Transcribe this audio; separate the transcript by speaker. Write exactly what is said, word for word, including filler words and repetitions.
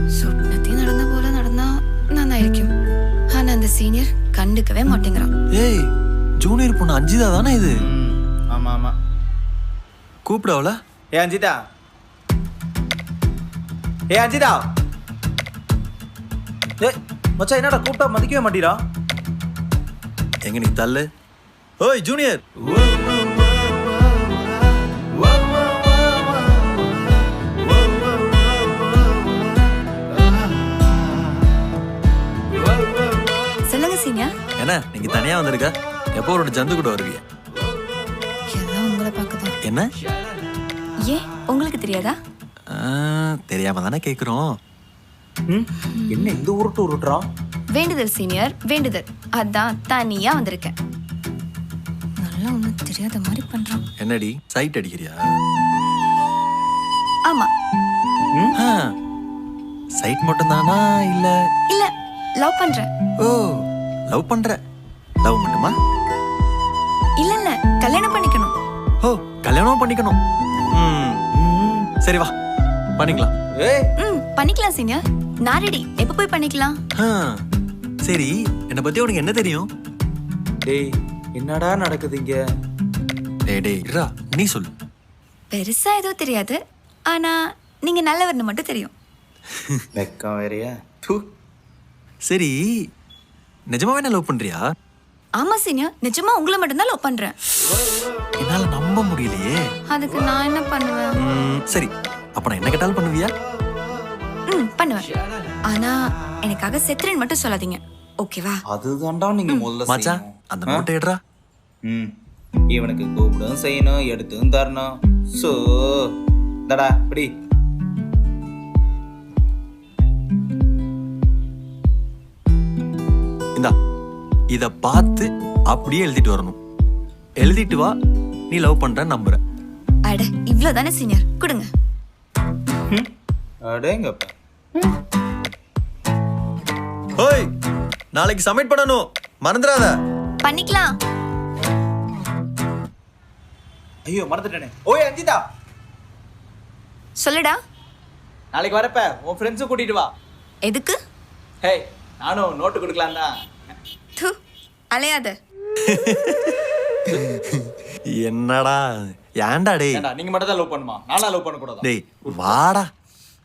Speaker 1: സ്വപ്നത്തിൽ നടന്ന പോലെ നടന്നാ നന്നായിരിക്കും. ആனா அந்த சீனியர் கண்டுக்கவே மாட்டேங்கிறான்.
Speaker 2: ஏய் ஜூனியர் பொண்ணு அஞ்சிதா தானே இது?
Speaker 3: ஆமா ஆமா.
Speaker 2: கூப்பிடவல?
Speaker 3: ஏ அஞ்சிதா, ஏ அஞ்சிதா. ஏ மச்சான், என்னடா கூப்பிட்டா மதிக்கவே மாட்டீரா?
Speaker 2: எங்க நீ தள்ளு. ஓய் ஜூனியர்.
Speaker 1: சொல்லுங்க சீனியர்.
Speaker 2: என்ன நீங்க தனியா வந்திருக்க? எப்போ ஒரு ஜந்து கூட வருவீங்க?
Speaker 1: எல்லாம் உங்களை பார்க்கதான்.
Speaker 2: என்ன?
Speaker 1: ஏன் உங்களுக்கு தெரியாதா?
Speaker 2: தெரியாம தானே கேக்குறோம்.
Speaker 3: என்ன இந்த உருட்டு உருட்டுறான்?
Speaker 1: வேண்டுதல் சீனியர், வேண்டுதல். அதான் தனியா வந்திருக்கேன். நல்லா ஒன்றும் தெரியாத மாதிரி பண்றான்.
Speaker 2: என்னடி சைட் அடிக்கிறியா?
Speaker 1: ஆமா.
Speaker 2: சைட் மட்டும் தானா இல்ல?
Speaker 1: இல்ல, லவ் பண்றேன்.
Speaker 2: ஓ லவ் பண்ற. லவ் மட்டுமா?
Speaker 1: இல்ல இல்ல, கல்யாணம் பண்ணிக்கணும்.
Speaker 2: ஓ கல்யாணம் பண்ணிக்கணும். ம் சரி வா பண்ணிக்கலாம்.
Speaker 3: ஏய்
Speaker 1: ம் பண்ணிக்கலாம் சீனியர். நான் ரெடி. எப்ப போய் பண்ணிக்கலாம்?
Speaker 2: சரி, என்னை பத்தி உனக்கு என்ன தெரியும்?
Speaker 3: டேய் என்னடா நடக்குது இங்க?
Speaker 2: டேய் டேய் இரா, நீ சொல்லு.
Speaker 1: பெருசா எதுவும் தெரியாது. ஆனா நீங்க நல்லவர்னு மட்டும் தெரியும்.
Speaker 3: வெக்கம் வேறையா?
Speaker 2: சரி, நிஜமாவே என்ன லவ் பண்றியா?
Speaker 1: ஆமா சீனியர், நிஜமா உங்களை மட்டும்தான் லவ் பண்றேன்.
Speaker 2: என்னால நம்ப முடியலையே.
Speaker 1: அதுக்கு நான் என்ன பண்ணுவேன்?
Speaker 2: ம், சரி, அப்ப நான் என்ன கேட்டாலும் பண்ணுவியா?
Speaker 1: ம் பண்ணுவேன். ஆனா எனக்காக செத்துறேன்னு மட்டும் சொல்லாதீங்க, ஓகேவா?
Speaker 3: அதுதான்டா நீங்க முதல்ல
Speaker 2: மச்சான், அந்த நோட்டை எடுறா.
Speaker 3: ம் இவனுக்கு கூப்பிடும் செய்யணும், எடுத்தும் தரணும். சோ தடா இப்படி
Speaker 2: இந்தா, இத பார்த்து அப்படியே எழுதிட்டு வரணும். எழுதிட்டு வா, நீ லவ் பண்ற நம்புற.
Speaker 1: அட இவ்வளவுதானே சீனியர், கொடுங்க.
Speaker 3: அடேங்கப்பா.
Speaker 2: ஓய், நாளைக்கு சப்மிட் பண்ணனும், மறந்துடாத.
Speaker 1: பண்ணிக்கலாம்.
Speaker 3: ஐயோ மறந்துட்டேனே. ஓய் அஞ்சிதா,
Speaker 1: சொல்லுடா.
Speaker 3: நாளைக்கு வரப்ப உன் ஃப்ரெண்ட்ஸும் கூட்டிட்டு வா.
Speaker 1: எதுக்கு?
Speaker 3: ஹே நானும் நோட்டு கொடுக்கலாம் தான்.
Speaker 1: தூ, அலையாத.
Speaker 2: என்னடா ஏன்டா டேய்?
Speaker 3: ஏண்டா நீங்க மட்டும் தான் லவ் பண்ணுமா? நானா லவ் பண்ண கூடாதா?
Speaker 2: டேய் வாடா.